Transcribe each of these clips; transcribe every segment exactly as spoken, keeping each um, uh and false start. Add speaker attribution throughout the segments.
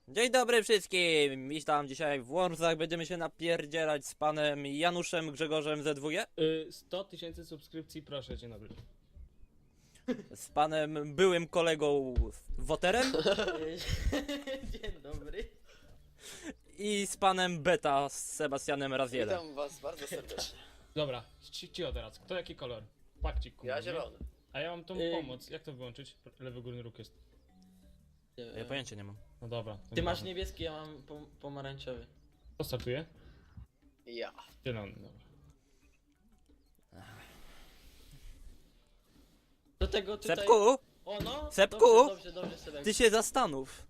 Speaker 1: Dzień dobry wszystkim! Witam dzisiaj w Wormsach. Będziemy się napierdzielać z panem Januszem Grzegorzem Z W G,
Speaker 2: Y, sto tysięcy subskrypcji, proszę, dzień dobry.
Speaker 1: z panem byłym kolegą Woterem
Speaker 3: Dzień dobry.
Speaker 1: i z panem Beta z Sebastianem Razielem.
Speaker 4: Witam was bardzo serdecznie.
Speaker 2: Dobra, ci, ci o teraz. Kto jaki kolor? Pakcik, kurwa.
Speaker 4: Ja
Speaker 2: nie?
Speaker 4: zielony.
Speaker 2: A ja mam tą
Speaker 3: Y-
Speaker 2: pomoc. Jak to wyłączyć? Lewy górny róg jest.
Speaker 1: Ja pojęcia nie mam.
Speaker 2: No dobra. to
Speaker 3: Ty masz
Speaker 2: nieważne.
Speaker 3: niebieski, ja mam pom pomarańczowy.
Speaker 2: Kto startuje?
Speaker 4: Ja.
Speaker 2: Zielony, dobra.
Speaker 3: Do tego tutaj...
Speaker 1: Sepku,
Speaker 3: O no!
Speaker 1: Sepku!
Speaker 3: Dobrze, dobrze, dobrze Sebek.
Speaker 1: ty się zastanów.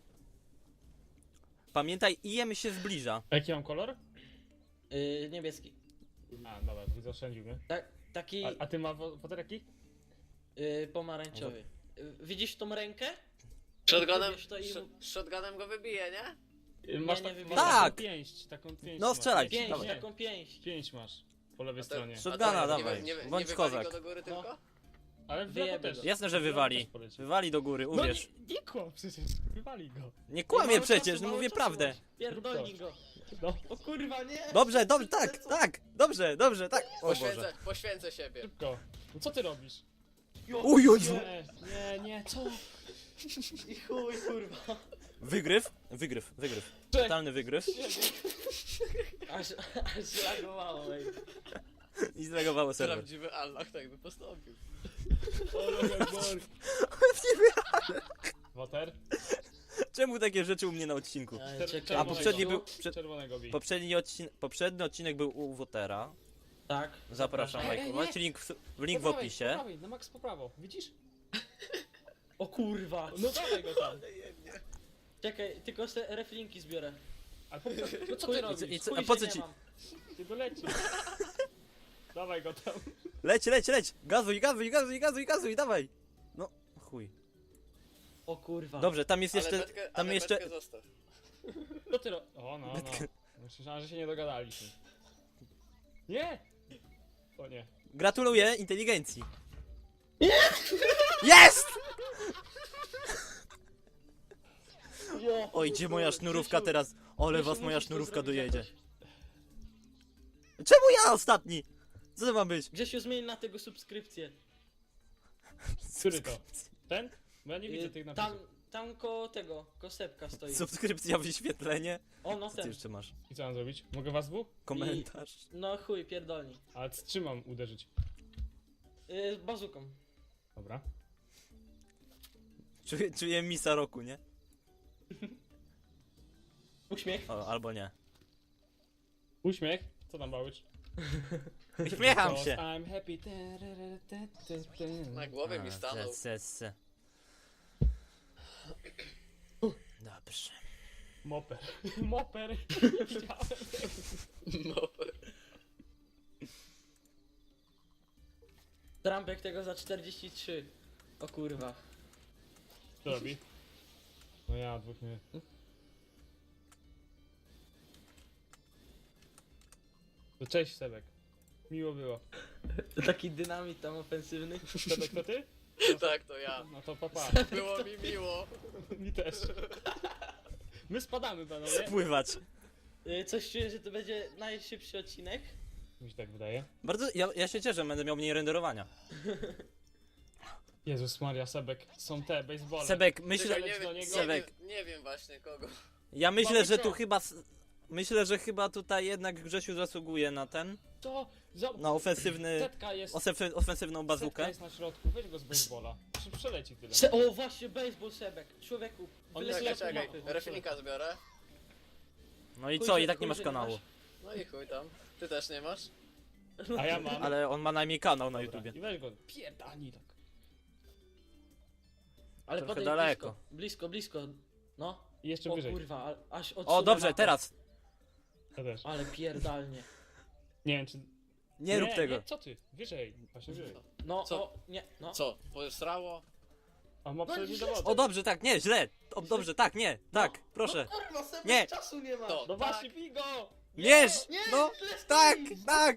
Speaker 1: Pamiętaj, I M się zbliża.
Speaker 2: A jaki mam kolor?
Speaker 3: Yy, niebieski.
Speaker 2: A, dobra, widzę, oszczędził mnie.
Speaker 3: Tak, taki
Speaker 2: A, a ty ma wo- woter jaki?
Speaker 3: yy, pomarańczowy. Yy, widzisz tą rękę?
Speaker 4: Shotgunem,
Speaker 3: Wiesz to i-
Speaker 4: sh shotgunem go wybije, nie?
Speaker 2: Y, Masz
Speaker 3: nie
Speaker 2: tak,
Speaker 3: wybieram.
Speaker 2: masz
Speaker 1: Tak!
Speaker 2: taką pięść, taką pięść
Speaker 1: No,
Speaker 2: masz.
Speaker 1: strzelaj,
Speaker 2: Pięść,
Speaker 3: Pięść,
Speaker 1: dawaj.
Speaker 2: nie,
Speaker 3: taką pięść.
Speaker 2: pięść masz. Po lewej
Speaker 4: A to-
Speaker 2: stronie.
Speaker 4: a
Speaker 1: Shotguna
Speaker 4: to
Speaker 1: dawaj,
Speaker 4: Nie, nie,
Speaker 1: bądź
Speaker 4: nie
Speaker 1: kozak.
Speaker 4: wywali go do góry tylko?
Speaker 2: Ale w
Speaker 3: Wyjebie
Speaker 2: lewo też.
Speaker 3: go.
Speaker 1: Jasne, że
Speaker 2: W lewo
Speaker 1: wywali.
Speaker 2: też poleci.
Speaker 1: Wywali do góry,
Speaker 2: No
Speaker 1: uwierz.
Speaker 2: nie, nie kłam przecież, wywali go.
Speaker 1: Nie kłamie
Speaker 2: mało
Speaker 1: przecież,
Speaker 2: czasu,
Speaker 1: no
Speaker 2: mało
Speaker 1: mówię
Speaker 2: czasu
Speaker 1: prawdę.
Speaker 2: masz.
Speaker 3: Pierdolnij go.
Speaker 2: No,
Speaker 3: O kurwa, nie!
Speaker 1: Dobrze, dobrze, tak, tak, dobrze, dobrze, tak. O Boże.
Speaker 4: Poświęcę, poświęcę siebie.
Speaker 2: szybko. No co ty robisz?
Speaker 1: Uj, uj, uj.
Speaker 2: Nie, nie, nie, co?
Speaker 3: I chuj, kurwa.
Speaker 1: Wygryw, wygryw, wygryw.
Speaker 2: Czek.
Speaker 1: Totalny wygryw.
Speaker 3: Aż, aż lagowało, ej.
Speaker 1: I zlegowało serwer.
Speaker 4: Prawdziwy Allah tak by postąpił.
Speaker 2: Woter?
Speaker 1: Czemu takie rzeczy u mnie na odcinku?
Speaker 3: Ej,
Speaker 2: Czer-
Speaker 3: czekaj,
Speaker 1: A poprzedni był...
Speaker 3: gościu.
Speaker 1: Prze,
Speaker 2: Czerwonego bij.
Speaker 1: poprzedni, odcin, poprzedni odcinek był u Wotera.
Speaker 3: Tak.
Speaker 1: Zapraszam
Speaker 2: Nie, nie, nie.
Speaker 1: lajkować. Link w, w link w
Speaker 2: Po prawej,
Speaker 1: opisie.
Speaker 2: Po prawej, na max po prawo, widzisz?
Speaker 3: O kurwa.
Speaker 2: No dawaj go tam.
Speaker 3: Czekaj, tylko se reflinki zbiorę.
Speaker 2: A po, no co
Speaker 3: Chuj-
Speaker 2: ty
Speaker 1: i co-
Speaker 2: robisz?
Speaker 1: i co-
Speaker 3: Chuj,
Speaker 1: a po
Speaker 3: że
Speaker 1: co
Speaker 3: nie
Speaker 1: ci-
Speaker 3: mam.
Speaker 2: Ty go leci. Dawaj go tam.
Speaker 1: Leć, leć, leć! Gazuj, gazuj, gazuj, gazuj, gazuj, dawaj! No, chuj.
Speaker 3: O kurwa.
Speaker 1: Dobrze, tam jest
Speaker 4: Ale
Speaker 1: jeszcze...
Speaker 4: betkę,
Speaker 1: Tam
Speaker 4: ale
Speaker 1: jeszcze...
Speaker 4: betkę zostaw.
Speaker 2: Co ty ro... O no, no. Myślałem, że się nie dogadaliśmy. Nie! O nie.
Speaker 1: Gratuluję inteligencji. Jest!
Speaker 3: Jo,
Speaker 1: Oj, gdzie moja sznurówka
Speaker 3: Grzesiu,
Speaker 1: teraz? Ole
Speaker 3: Grzesiu,
Speaker 1: was moja
Speaker 3: musisz to
Speaker 1: sznurówka
Speaker 3: zrobić
Speaker 1: dojedzie.
Speaker 3: jakoś.
Speaker 1: Czemu ja ostatni? Co to ma być?
Speaker 3: Grzesiu, zmień na tego subskrypcję.
Speaker 2: Który to? Ten? Bo ja nie widzę
Speaker 3: Y,
Speaker 2: tych
Speaker 3: tam,
Speaker 2: napisów.
Speaker 3: tam koło tego, koło Sepka stoi.
Speaker 1: Subskrypcja, wyświetlenie.
Speaker 3: O, no
Speaker 1: Co ty
Speaker 3: ten.
Speaker 1: jeszcze masz?
Speaker 2: I co mam zrobić? Mogę was dwóch?
Speaker 1: Komentarz.
Speaker 3: No chuj, pierdolni.
Speaker 2: Ale z czym mam uderzyć?
Speaker 3: Yy, bazuką.
Speaker 2: Dobra.
Speaker 1: Czuję, czuję misa roku, nie?
Speaker 3: Uśmiech.
Speaker 1: O, albo nie.
Speaker 2: Uśmiech? Co tam bałycz?
Speaker 1: Uśmiecham się.
Speaker 2: I'm happy.
Speaker 4: Na głowie mi
Speaker 1: A,
Speaker 4: stanął.
Speaker 1: se, se, se. Dobrze.
Speaker 2: Moper. Moper. Widziałem.
Speaker 4: No.
Speaker 3: Trampek tego za czterdzieści trzy. O kurwa.
Speaker 2: Co robi? No ja dwóch nie. To cześć Sebek. Miło było.
Speaker 3: Taki dynamit tam ofensywny.
Speaker 2: Sebek to ty?
Speaker 4: Tak, to ja.
Speaker 2: No to papa.
Speaker 4: Było mi miło.
Speaker 2: Mi też. My spadamy panowie.
Speaker 1: Pływać.
Speaker 3: Yy, coś czuję, że to będzie najszybszy odcinek.
Speaker 2: Mi się tak wydaje.
Speaker 1: Bardzo, ja, ja się cieszę, będę miał mniej renderowania.
Speaker 2: Jezus Maria, Sebek. Są te, baseball.
Speaker 1: Sebek, myślę,
Speaker 4: Czekaj, nie,
Speaker 2: do
Speaker 4: wiem,
Speaker 2: niego.
Speaker 4: nie,
Speaker 1: Sebek.
Speaker 4: wiem, nie wiem właśnie kogo.
Speaker 1: ja myślę,
Speaker 2: Mamy
Speaker 1: że tu
Speaker 2: pro.
Speaker 1: chyba, s- myślę, że chyba tutaj jednak Grzesiu zasługuje na ten,
Speaker 2: To! Za...
Speaker 1: na ofensywny,
Speaker 2: Setka jest.
Speaker 1: osef- ofensywną
Speaker 2: Setka
Speaker 1: bazookę.
Speaker 2: jest na środku, weź go z baseballa. Prze- Przeleci tyle.
Speaker 3: Se o właśnie, baseball Sebek. Człowieku.
Speaker 2: On
Speaker 3: wyleciał
Speaker 2: jest
Speaker 4: Czekaj,
Speaker 3: z
Speaker 2: lepszy,
Speaker 4: czekaj.
Speaker 3: mapy.
Speaker 4: Reflinka zbiorę.
Speaker 1: No i
Speaker 3: Chuj,
Speaker 1: co,
Speaker 3: że-
Speaker 1: i tak nie
Speaker 3: chuj,
Speaker 1: masz
Speaker 3: że
Speaker 1: kanału.
Speaker 3: masz.
Speaker 4: No i chuj tam. Ty też nie masz?
Speaker 2: A ja mam.
Speaker 1: Ale on ma najmniej kanał na
Speaker 2: Dobra,
Speaker 1: YouTubie.
Speaker 2: I weź go, pierdani tak.
Speaker 3: Ale
Speaker 1: Trochę
Speaker 3: podejdź
Speaker 1: daleko.
Speaker 3: blisko. Blisko, blisko. No.
Speaker 2: I jeszcze
Speaker 3: O
Speaker 2: wyżej.
Speaker 3: kurwa, a- aż
Speaker 1: O,
Speaker 3: odsunę
Speaker 1: dobrze,
Speaker 3: mapę.
Speaker 1: teraz.
Speaker 2: Ja też.
Speaker 3: Ale pierdalnie.
Speaker 2: Nie wiem czy...
Speaker 1: Nie rób tego.
Speaker 2: Nie, co ty? Wyżej. Właśnie wyżej.
Speaker 3: No,
Speaker 4: Co?
Speaker 3: o, nie, no.
Speaker 4: Co? Posrało?
Speaker 2: A ma
Speaker 3: No
Speaker 2: przechodzić
Speaker 3: źle.
Speaker 2: do wody.
Speaker 1: O, dobrze, tak, nie, źle. O, dobrze, tak, nie, tak, proszę.
Speaker 3: No kurwa, Sebek,
Speaker 1: Nie.
Speaker 3: czasu nie ma.
Speaker 4: To.
Speaker 2: No właśnie, bij go!
Speaker 1: Mierz!
Speaker 3: Nie,
Speaker 1: No,
Speaker 3: źle
Speaker 1: tak,
Speaker 3: stoi.
Speaker 1: tak.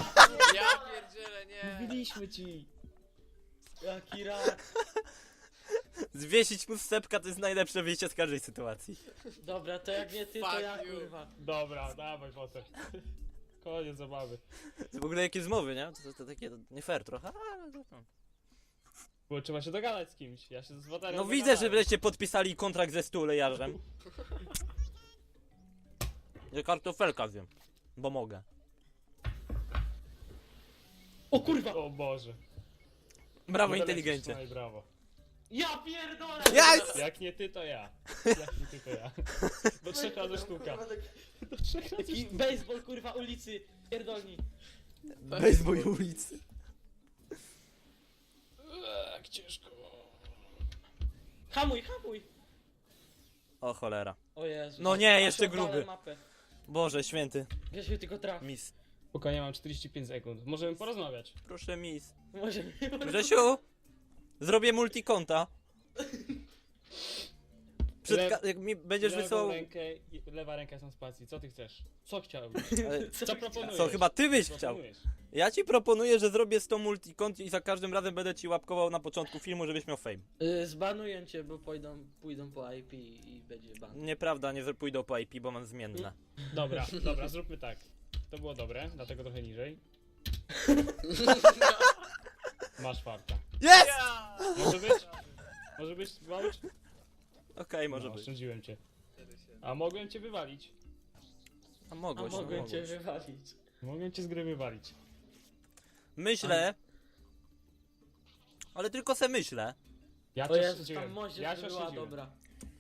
Speaker 4: Ja pierdzielę, nie.
Speaker 2: Mówiliśmy ci.
Speaker 3: Jaki rak.
Speaker 1: Zwiesić mu sepka to jest najlepsze wyjście z każdej sytuacji.
Speaker 3: Dobra, to jak nie ty, to
Speaker 4: Fuck
Speaker 3: ja
Speaker 4: you.
Speaker 3: kurwa.
Speaker 2: Dobra, dawaj potem. Koniec zabawy.
Speaker 1: W ogóle jakie zmowy, nie? To, to, to takie nie fair trochę, ale to, to.
Speaker 2: Bo trzeba się dogadać z kimś. Ja się z Waterem
Speaker 1: No widzę, że
Speaker 2: dogadałem.
Speaker 1: wreszcie podpisali kontrakt ze stulejarzem. Że kartofelka zjem. Bo mogę.
Speaker 3: O kurwa!
Speaker 2: O Boże.
Speaker 1: Brawo,
Speaker 2: No
Speaker 1: inteligencie.
Speaker 2: No i brawo.
Speaker 3: Ja pierdolę!
Speaker 1: Yes!
Speaker 2: Jak nie ty, to ja. Jak nie ty, to ja. Do trzech razy sztuka. Do trzech razy
Speaker 3: Taki baseball kurwa ulicy, pierdolni.
Speaker 1: Baseball ulicy.
Speaker 2: Jak ciężko.
Speaker 3: Hamuj, hamuj!
Speaker 1: O cholera.
Speaker 3: O Jezu.
Speaker 1: No nie,
Speaker 3: Aż
Speaker 1: jeszcze
Speaker 3: odpalę
Speaker 1: gruby.
Speaker 3: Mapę.
Speaker 1: Boże święty.
Speaker 3: Grzesiu, tylko traf.
Speaker 1: Mis.
Speaker 2: Spokojnie, mam czterdzieści pięć sekund. Możemy porozmawiać.
Speaker 1: Proszę mis.
Speaker 3: Może
Speaker 1: Grzesiu! Zrobię multikonta. Przed
Speaker 2: Le-
Speaker 1: ka- jak mi będziesz
Speaker 2: Lewą
Speaker 1: wysyłał...
Speaker 2: rękę, i- lewa ręka jest na spacji. Co ty chcesz? Co chciałbyś?
Speaker 1: Ale
Speaker 2: Co proponujesz?
Speaker 1: Co, chyba ty byś
Speaker 2: Co
Speaker 1: chciał.
Speaker 2: proponujesz?
Speaker 1: Ja ci proponuję, że zrobię sto multikont i za każdym razem będę ci łapkował na początku filmu, żebyś miał fame.
Speaker 3: Y, Zbanuję cię, bo pójdą, pójdą po I P i będzie ban.
Speaker 1: Nieprawda, nie pójdą po I P, bo mam zmienne.
Speaker 2: Dobra, dobra, zróbmy tak. To było dobre, dlatego trochę niżej. Masz farta.
Speaker 1: Jest!
Speaker 4: Ja!
Speaker 2: Może być? Może być, walić?
Speaker 1: Okej, może
Speaker 2: no,
Speaker 1: być.
Speaker 2: oszczędziłem cię. A mogłem cię wywalić.
Speaker 1: A
Speaker 3: A
Speaker 1: mogłeś, no,
Speaker 3: mogę cię
Speaker 1: mogłeś.
Speaker 3: wywalić.
Speaker 2: Mogłem cię z gry wywalić.
Speaker 1: Myślę... Ale tylko se myślę.
Speaker 2: Ja
Speaker 3: O
Speaker 2: cię
Speaker 3: Jezus,
Speaker 2: oszczędziłem.
Speaker 3: tam moździerz
Speaker 2: Ja cię
Speaker 3: była
Speaker 2: oszczędziłem.
Speaker 3: dobra.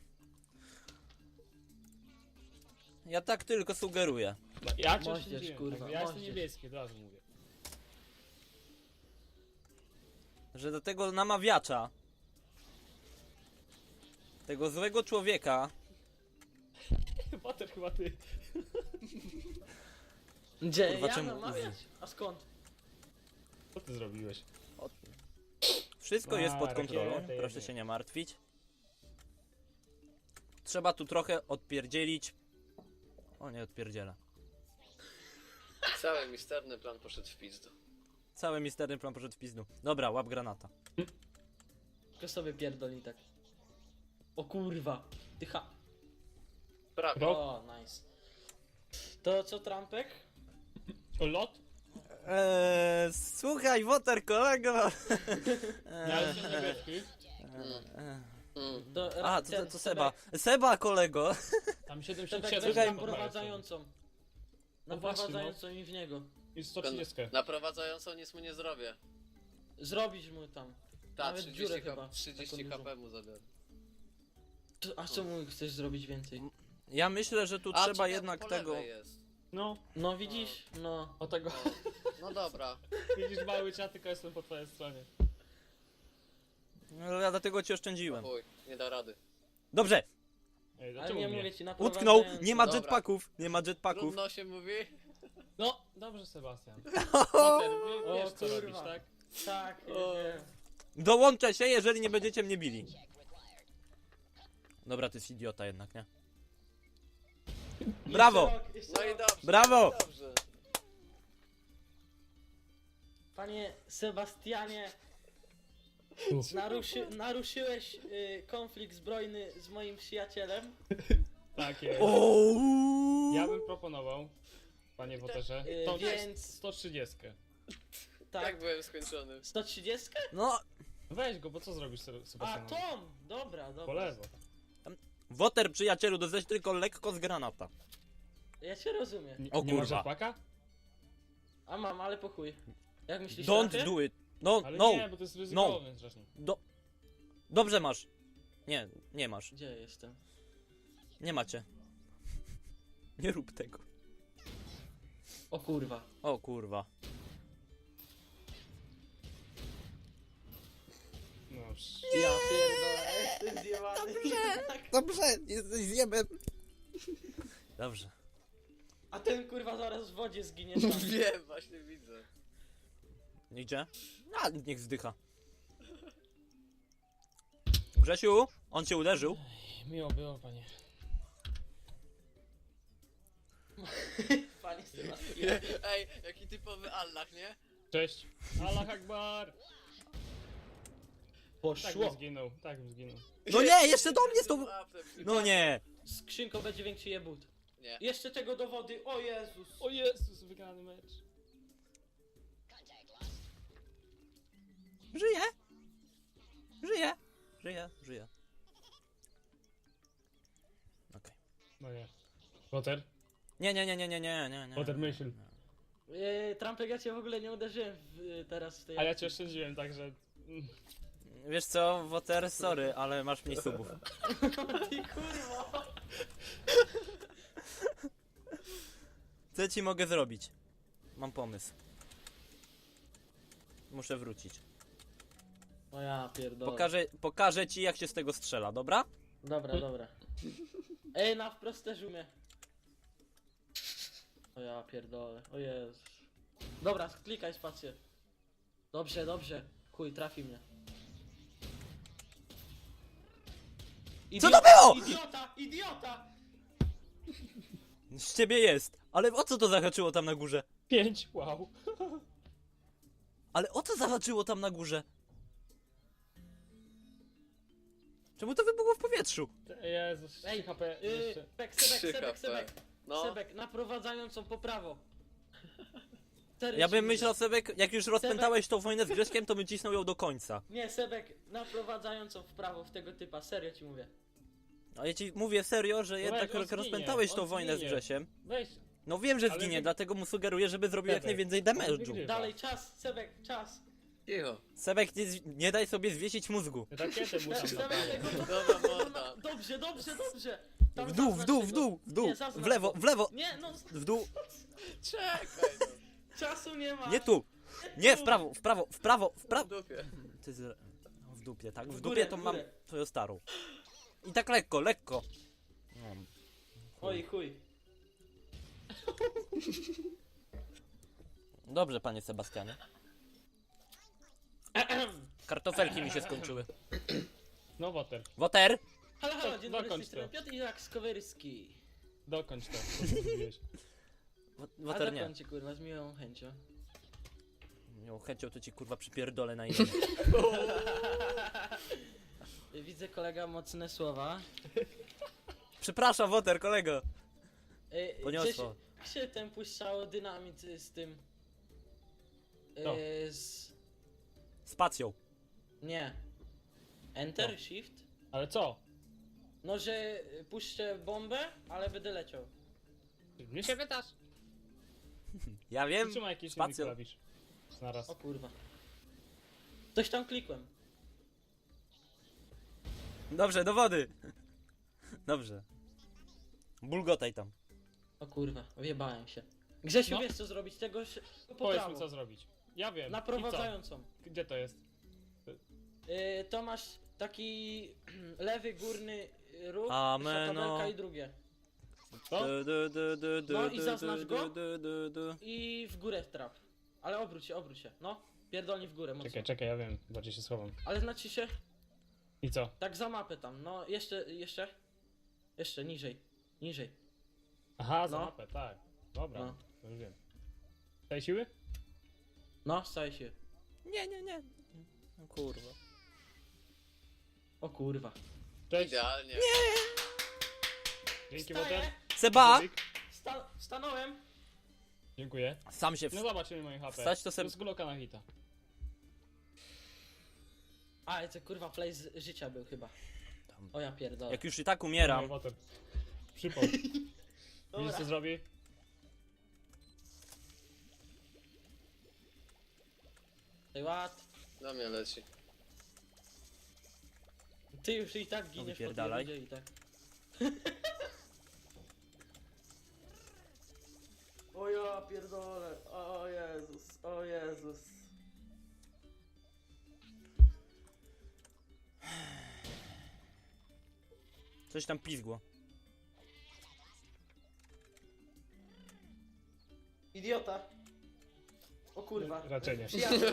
Speaker 1: Ja tak tylko sugeruję.
Speaker 2: No, ja cię
Speaker 3: Moździerz,
Speaker 2: oszczędziłem.
Speaker 3: kurwa,
Speaker 2: Jakby ja jestem
Speaker 3: moździerz.
Speaker 2: niebieski, od razu mówię.
Speaker 1: Że do tego namawiacza, tego złego człowieka,
Speaker 2: Potem chyba ty.
Speaker 3: Gdzie?
Speaker 1: Kurwa,
Speaker 3: Ja
Speaker 1: czemu
Speaker 3: namawiać? A skąd?
Speaker 2: Co ty zrobiłeś?
Speaker 1: wszystko
Speaker 2: A,
Speaker 1: jest pod kontrolą,
Speaker 2: rakiety
Speaker 1: proszę
Speaker 2: jednie.
Speaker 1: się nie martwić. Trzeba tu trochę odpierdzielić. O, nie odpierdziela.
Speaker 4: Cały misterny plan poszedł w pizdu.
Speaker 1: Cały misterny plan poszedł w pizdu. Dobra, łap granata.
Speaker 3: Tylko sobie pierdolni tak. O kurwa. Tycha.
Speaker 4: Prawie.
Speaker 2: Rok?
Speaker 3: O, nice. To co, Trumpek?
Speaker 2: O, lot?
Speaker 1: Eee, słuchaj, Woter, kolego!
Speaker 2: Ja jestem niebieski.
Speaker 1: Eee,
Speaker 4: Mm.
Speaker 3: Do,
Speaker 1: A, to, to,
Speaker 3: ten
Speaker 1: to Seba.
Speaker 3: Sebek-
Speaker 1: Seba, kolego!
Speaker 2: Tam siedemdziesiąt
Speaker 3: Sebek
Speaker 2: siedem.
Speaker 3: weź
Speaker 1: Słuchaj,
Speaker 3: tam
Speaker 2: podajesz
Speaker 3: prowadzącą.
Speaker 2: No właśnie,
Speaker 3: Naprowadzającą mi w niego.
Speaker 2: sobie. I sto trzydzieści.
Speaker 4: Naprowadzającą nic mu nie zrobię.
Speaker 3: Zrobić mu tam.
Speaker 4: Ta,
Speaker 3: Nawet
Speaker 4: trzydzieści,
Speaker 3: dziurę
Speaker 4: H-
Speaker 3: chyba,
Speaker 4: trzydzieści
Speaker 3: taką
Speaker 4: H P mu zabiorę.
Speaker 3: To, a co mu chcesz zrobić więcej?
Speaker 1: Ja myślę, że tu
Speaker 4: A,
Speaker 1: trzeba
Speaker 4: czekaj,
Speaker 1: jednak
Speaker 4: po
Speaker 1: tego...
Speaker 4: lewej jest.
Speaker 2: No,
Speaker 3: No widzisz? No.
Speaker 2: o tego.
Speaker 4: No dobra.
Speaker 2: Widzisz mały czat, tylko jestem po twojej stronie.
Speaker 1: No, ja dlatego ci oszczędziłem.
Speaker 4: Chuj, nie da rady.
Speaker 1: Dobrze!
Speaker 2: Ej,
Speaker 3: Ale
Speaker 2: dlaczego
Speaker 3: nie
Speaker 2: mnie?
Speaker 3: mówię ci na
Speaker 1: Utknął! Nie ma
Speaker 4: Dobra.
Speaker 1: jetpacków! Nie ma jetpacków!
Speaker 4: Trudno się mówi.
Speaker 2: No, dobrze Sebastian. Potem wie,
Speaker 3: O,
Speaker 2: wiesz co
Speaker 3: kurwa.
Speaker 2: robisz, tak?
Speaker 3: Tak,
Speaker 4: O.
Speaker 3: nie.
Speaker 1: Dołączę się, jeżeli nie będziecie mnie bili. Dobra, ty jest idiota jednak, nie? Brawo!
Speaker 3: Jeszcze rok, jeszcze
Speaker 4: No i
Speaker 3: rok.
Speaker 4: dobrze.
Speaker 1: Brawo!
Speaker 4: Dobrze.
Speaker 3: Panie Sebastianie,
Speaker 2: Uf.
Speaker 3: naruszy, naruszyłeś y, konflikt zbrojny z moim przyjacielem.
Speaker 2: Tak jest.
Speaker 1: Ouu.
Speaker 2: Ja bym proponował, panie Woterze,
Speaker 3: Yy,
Speaker 2: to
Speaker 3: więc-
Speaker 2: sto trzydzieści.
Speaker 3: Tak.
Speaker 4: Tak byłem skończony.
Speaker 3: sto trzydzieści?
Speaker 1: No,
Speaker 2: Weź go, bo co zrobisz Se-
Speaker 3: A,
Speaker 2: Sebastianowi?
Speaker 3: Tom! Dobra, dobra.
Speaker 2: Po lewo.
Speaker 1: Woter, przyjacielu, doześ tylko lekko z granata.
Speaker 3: Ja cię rozumiem.
Speaker 2: Nie,
Speaker 1: O
Speaker 2: nie masz
Speaker 1: kurwa.
Speaker 2: rzepaka?
Speaker 3: A mam, ale po chuj. Jak myślisz,
Speaker 1: Don't
Speaker 3: trafię?
Speaker 1: do it. No,
Speaker 2: Ale
Speaker 1: no.
Speaker 2: nie, bo to jest ryzykowne strasznie.
Speaker 1: Do... Dobrze masz. Nie, nie masz.
Speaker 3: Gdzie jestem?
Speaker 1: Nie macie. Nie rób tego.
Speaker 3: O kurwa.
Speaker 1: O kurwa.
Speaker 2: No, psz.
Speaker 3: Ja pierdolę, jestem zjebany.
Speaker 1: Dobrze, jesteś zjebem. Dobrze.
Speaker 3: A ten kurwa zaraz w wodzie zginie tam.
Speaker 4: Wiem, właśnie widzę.
Speaker 1: Idzie? A, niech zdycha. Grzesiu, on cię uderzył.
Speaker 2: Miło było, panie.
Speaker 3: Panie Sebastianie.
Speaker 4: Ej, jaki typowy Allah, nie?
Speaker 2: Cześć. Allah Akbar. Tak
Speaker 3: Poszło.
Speaker 2: bym zginął, tak bym zginął.
Speaker 1: No nie, jeszcze do mnie z tą...
Speaker 4: Łapę przy-
Speaker 1: No nie.
Speaker 3: Skrzynką będzie większy jebut.
Speaker 4: Nie.
Speaker 3: Jeszcze tego do wody, o Jezus.
Speaker 2: O Jezus, wygrany mecz.
Speaker 1: Żyję. Żyję. Żyję, żyję. Okej.
Speaker 2: No nie. Potter?
Speaker 1: Nie, nie, nie, nie, nie, nie, nie, nie.
Speaker 2: Potter myśl.
Speaker 3: Yy, Trumpek, ja cię w ogóle nie uderzyłem w, y, teraz w tej
Speaker 2: A ja
Speaker 3: akcji.
Speaker 2: cię oszczędziłem, także... mm,
Speaker 1: Wiesz co, Woter, sorry, ale masz mniej subów.
Speaker 3: Ty kurwa.
Speaker 1: Co ci mogę zrobić? Mam pomysł. Muszę wrócić.
Speaker 3: O ja pierdolę.
Speaker 1: Pokażę, pokażę ci jak się z tego strzela, dobra?
Speaker 3: Dobra, dobra. Ej, na wprost też umie. O ja pierdolę, o Jezus. Dobra, klikaj spację. Dobrze, dobrze. Chuj, trafi mnie.
Speaker 1: Co to było?
Speaker 3: Idiota, idiota!
Speaker 1: Z ciebie jest. Ale o co to zahaczyło tam na górze?
Speaker 2: Pięć, wow.
Speaker 1: Ale o co zahaczyło tam na górze? Czemu to wybuchło w powietrzu?
Speaker 2: Jezus,
Speaker 3: Ej,
Speaker 2: trzy H P
Speaker 3: Yy,
Speaker 2: jeszcze.
Speaker 3: Sebek, Sebek,
Speaker 4: Trzy
Speaker 3: Sebek,
Speaker 4: H P.
Speaker 3: Sebek.
Speaker 4: No.
Speaker 3: Sebek, naprowadzającą po prawo. Serio
Speaker 1: Ja
Speaker 3: ci
Speaker 1: bym
Speaker 3: mówię.
Speaker 1: myślał, Sebek, jak już rozpętałeś tą wojnę z Grześkiem, to bym cisnął ją do końca.
Speaker 3: Nie, Sebek, naprowadzającą w prawo w tego typa, serio ci mówię.
Speaker 1: A ja ci mówię serio, że jednak
Speaker 2: on
Speaker 1: jak
Speaker 2: zginie,
Speaker 1: rozpętałeś tą
Speaker 2: on
Speaker 1: wojnę z
Speaker 2: zginie.
Speaker 1: Grzesiem.
Speaker 2: Weź.
Speaker 1: No wiem, że
Speaker 2: Ale
Speaker 1: zginie,
Speaker 2: wy-
Speaker 1: dlatego mu sugeruję, żeby zrobił jak
Speaker 2: Sebek,
Speaker 1: najwięcej
Speaker 2: on
Speaker 1: damage'u.
Speaker 2: wygrywa.
Speaker 3: Dalej, czas, Sebek, czas.
Speaker 4: Cicho.
Speaker 1: Sebek, nie, z- nie daj sobie zwiesić mózgu.
Speaker 2: Rakietę mu tam
Speaker 3: Sebek,
Speaker 2: zapalę.
Speaker 3: tego
Speaker 4: Dobra morda.
Speaker 3: Dobrze, dobrze, dobrze. Tam
Speaker 1: W dół, w
Speaker 3: zaznacz
Speaker 1: dół, w
Speaker 3: tego.
Speaker 1: dół, w dół,
Speaker 3: Nie, zaznacz
Speaker 1: w lewo,
Speaker 3: go.
Speaker 1: w lewo,
Speaker 3: Nie, no,
Speaker 1: w dół,
Speaker 4: Czekaj no.
Speaker 3: czasu nie ma.
Speaker 1: nie tu. Nie, w prawo, w prawo, w prawo, w
Speaker 4: W
Speaker 1: prawo.
Speaker 4: dupie.
Speaker 1: Ty z... no, w dupie, tak? W
Speaker 3: W
Speaker 1: dupie
Speaker 3: górę,
Speaker 1: to
Speaker 3: w
Speaker 1: mam
Speaker 3: górę.
Speaker 1: twoją starą. I tak lekko, lekko. No.
Speaker 3: Oj, chuj.
Speaker 1: Dobrze, panie Sebastianie. Kartofelki mi się skończyły.
Speaker 2: No Potter,
Speaker 1: Woter!
Speaker 3: Halo, halo,
Speaker 2: Do-
Speaker 3: dzień dobry, z tej
Speaker 2: dokończ
Speaker 3: strony
Speaker 2: to.
Speaker 3: Piotr Irak Skowerski.
Speaker 2: dokończ to, co zrobiłeś.
Speaker 1: Wo-
Speaker 3: A
Speaker 1: Woter nie.
Speaker 3: dokończę, kurwa, z miłą chęcią.
Speaker 1: Miał chęcią, to ci kurwa przypierdolę na imię.
Speaker 3: Widzę, kolega, mocne słowa.
Speaker 1: Przepraszam, Woter, kolego.
Speaker 3: Ej,
Speaker 1: Poniosło.
Speaker 3: Gdzie się, się ten puszczało dynamit z tym...
Speaker 2: To.
Speaker 3: Yy, z...
Speaker 1: Spacją.
Speaker 3: Nie. Enter,
Speaker 2: No.
Speaker 3: shift?
Speaker 2: Ale co?
Speaker 3: No, że puszczę bombę, ale będę leciał.
Speaker 2: Mnie się pytasz?
Speaker 1: Ja wiem.
Speaker 2: Trzymaj jakiś inny
Speaker 1: spacją.
Speaker 2: klawisz. Naraz.
Speaker 3: O kurwa. Coś tam klikłem.
Speaker 1: Dobrze, do wody. Dobrze. Bulgotaj tam.
Speaker 3: O kurwa, wjebałem się. Grzesiu,
Speaker 2: No.
Speaker 3: wiesz co zrobić? Tego się... po
Speaker 2: Powiedz mi
Speaker 3: prawo.
Speaker 2: co zrobić. Ja wiem.
Speaker 3: Naprowadzającą.
Speaker 2: I co? Gdzie to jest?
Speaker 3: Yy, to masz taki lewy górny róg,
Speaker 1: Ameno.
Speaker 3: tabelka i drugie.
Speaker 2: To?
Speaker 1: Du, du, du, du, du,
Speaker 3: No i
Speaker 1: du,
Speaker 3: zaznacz
Speaker 1: du,
Speaker 3: go.
Speaker 1: du, du, du.
Speaker 3: I w górę trap. Ale obróć się, obróć się. No, pierdolnie w górę mocno.
Speaker 2: Czekaj, czekaj, ja wiem. Bardziej się schowam.
Speaker 3: Ale znaczy się,
Speaker 2: I co?
Speaker 3: tak za mapę tam. No, jeszcze, jeszcze. Jeszcze niżej. Niżej.
Speaker 2: Aha, za
Speaker 3: No.
Speaker 2: mapę, tak. Dobra,
Speaker 3: No.
Speaker 2: to już wiem. Tej siły?
Speaker 3: No, staj się.
Speaker 1: Nie, nie, nie. No kurwa.
Speaker 3: O kurwa.
Speaker 2: Cześć.
Speaker 4: Idealnie.
Speaker 2: Dzięki,
Speaker 3: Wstaję.
Speaker 2: Potter.
Speaker 1: Seba!
Speaker 3: Sta stanąłem.
Speaker 2: Dziękuję.
Speaker 1: Sam się
Speaker 2: No
Speaker 1: w...
Speaker 2: zobaczymy moje H P.
Speaker 1: Wstać to
Speaker 2: To
Speaker 1: se-
Speaker 2: jest Glocka na hita.
Speaker 3: A, to kurwa play z życia był chyba.
Speaker 1: Tam.
Speaker 3: O ja pierdolę.
Speaker 1: Jak już i tak umieram.
Speaker 2: No, Potter. Przypał. Widzisz
Speaker 3: Dobra.
Speaker 2: co zrobi?
Speaker 3: Ej, ład.
Speaker 4: Na mnie leci.
Speaker 3: Ty już i tak giniesz po tej
Speaker 1: wypierdalaj.
Speaker 3: rundzie i tak. O ja pierdolę. O Jezus, o Jezus.
Speaker 1: Coś tam pizgło.
Speaker 3: Idiota. O kurwa.
Speaker 2: Raczej nie.
Speaker 3: Przyjaciel.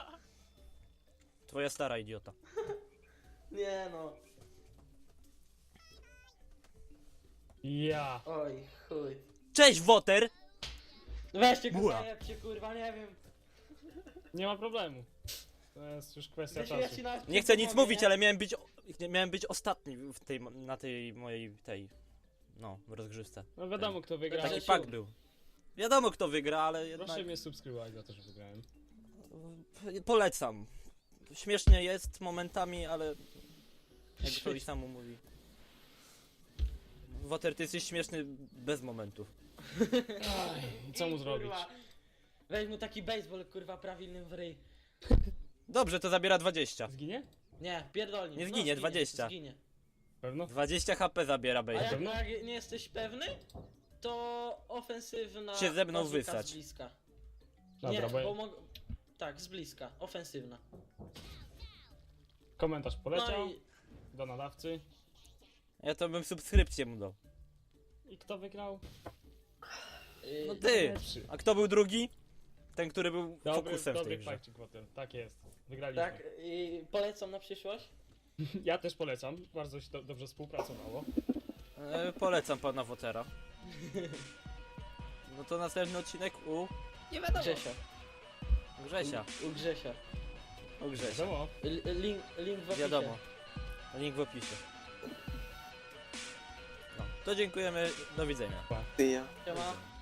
Speaker 1: Twoja stara idiota.
Speaker 3: Nie no.
Speaker 2: Ja.
Speaker 3: Oj, chuj.
Speaker 1: Cześć, Woter!
Speaker 3: Weźcie go
Speaker 1: Buła.
Speaker 3: zajebcie, kurwa, nie wiem.
Speaker 2: Nie ma problemu. To jest już kwestia
Speaker 3: Grzesiu, ja
Speaker 2: czasu.
Speaker 3: ci nawet
Speaker 1: Nie chcę nic
Speaker 3: pomogę,
Speaker 1: mówić,
Speaker 3: nie?
Speaker 1: ale miałem być, nie, miałem być ostatni w tej, na tej mojej, tej, no, rozgrzewce.
Speaker 2: No wiadomo kto wygra.
Speaker 3: Taki
Speaker 1: Taki
Speaker 3: Grzesiu.
Speaker 1: pak był. Wiadomo kto wygra, ale jednak
Speaker 2: Proszę mnie subskrybować za to, że wygrałem.
Speaker 1: polecam. Śmiesznie jest momentami, ale jak to i samo mówi. Woter, ty jesteś śmieszny bez momentów.
Speaker 2: Aj, i co mu zrobić?
Speaker 3: Kurwa. Weź mu taki baseball, kurwa, prawilny w ryj.
Speaker 1: Dobrze, to zabiera dwadzieścia.
Speaker 2: Zginie?
Speaker 3: Nie, pierdolnik.
Speaker 1: Nie zginie, dwadzieścia.
Speaker 3: Zginie.
Speaker 2: Pewno?
Speaker 1: dwadzieścia H P zabiera
Speaker 3: A
Speaker 1: base.
Speaker 3: jak,
Speaker 2: pewno?
Speaker 3: jak nie jesteś pewny, to ofensywna
Speaker 1: Się ze mną
Speaker 3: bazuka
Speaker 1: wysać.
Speaker 3: z bliska.
Speaker 2: Dobra,
Speaker 3: nie,
Speaker 2: bo-
Speaker 3: bo mog... Tak, z bliska, ofensywna.
Speaker 2: Komentarz poleciał
Speaker 3: No i...
Speaker 2: do nadawcy.
Speaker 1: Ja to bym subskrypcję mu dał.
Speaker 2: I kto wygrał?
Speaker 3: Yy,
Speaker 1: No ty!
Speaker 2: Lepszy.
Speaker 1: A kto był drugi? Ten, który był
Speaker 2: Dobry,
Speaker 1: fokusem w
Speaker 2: dobry
Speaker 1: tej grze.
Speaker 2: fajczyk Woter. Tak jest. Wygraliśmy.
Speaker 3: Tak, i polecam na przyszłość.
Speaker 2: Ja też polecam. Bardzo się do, dobrze współpracowało.
Speaker 1: E, polecam pana Wotera. No to następny odcinek u
Speaker 4: Nie wiadomo.
Speaker 3: Grzesia.
Speaker 1: Grzesia.
Speaker 3: U, u Grzesia.
Speaker 1: U Grzesia.
Speaker 2: Wiadomo.
Speaker 3: L link, link w opisie.
Speaker 1: Wiadomo. Link w opisie. No, to dziękujemy. Do widzenia.
Speaker 4: Ty ja.
Speaker 3: Siema.